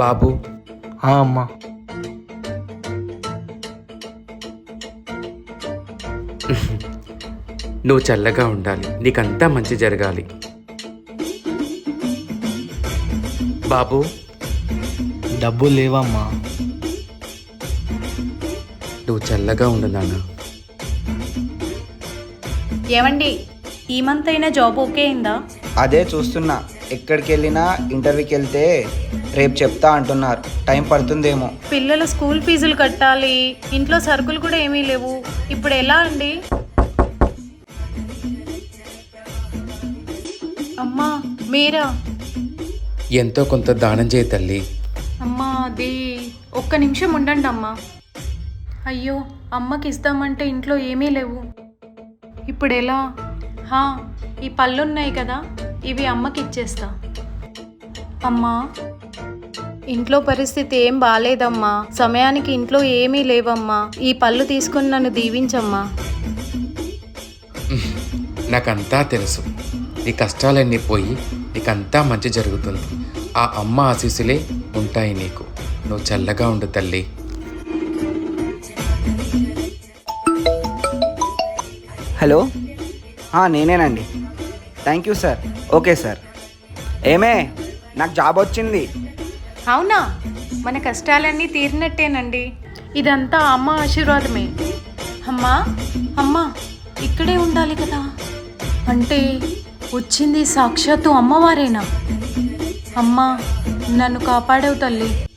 బాబు. అమ్మా. నువ్వు చల్లగా ఉండాలి, నీకంతా మంచి జరగాలి. బాబు. డబ్బులు లేవమ్మా. నువ్వు చల్లగా ఉండు నాన్న. ఏమండి, ఈ మంత్ అయినా జాబ్ ఓకే అయిందా? అదే చూస్తున్నా. ఎక్కడికి వెళ్ళినా ఇంటర్వ్యూకి వెళ్తే రేపు చెప్తా అంటున్నారు. టైం పడుతుందేమో. పిల్లల స్కూల్ ఫీజులు కట్టాలి, ఇంట్లో సరుకులు కూడా ఏమీ లేవు. ఇప్పుడు ఎలా అండి? అమ్మా మీరా? ఎంతో కొంత దానం చేయి తల్లి. అమ్మా అది ఒక్క నిమిషం ఉండండి అమ్మా. అయ్యో, అమ్మకి ఇస్తామంటే ఇంట్లో ఏమీ లేవు. ఇప్పుడు ఎలా? ఈ పళ్ళున్నాయి కదా, ఇవి అమ్మకి ఇచ్చేస్తా. అమ్మా, ఇంట్లో పరిస్థితి ఏం బాలేదమ్మా. సమయానికి ఇంట్లో ఏమీ లేవమ్మా. ఈ పళ్ళు తీసుకుని నన్ను దీవించమ్మా. నాకంతా తెలుసు. నీ కష్టాలన్నీ పోయి నీకంతా మంచి జరుగుతుంది. ఆ అమ్మ ఆశీస్సులే ఉంటాయి నీకు. నువ్వు చల్లగా ఉండు తల్లి. హలో, నేనేనండి. Thank you sir. Okay sir. ఏమే, నాకు జాబ్ వచ్చింది. అవునా? మన కష్టాలన్నీ తీరినట్టేనండి. ఇదంతా అమ్మ ఆశీర్వాదమే. అమ్మా అమ్మా ఇక్కడే ఉండాలి కదా. అంటే వచ్చింది సాక్షాత్తు అమ్మవారేనా? అమ్మా, నన్ను కాపాడవు తల్లి.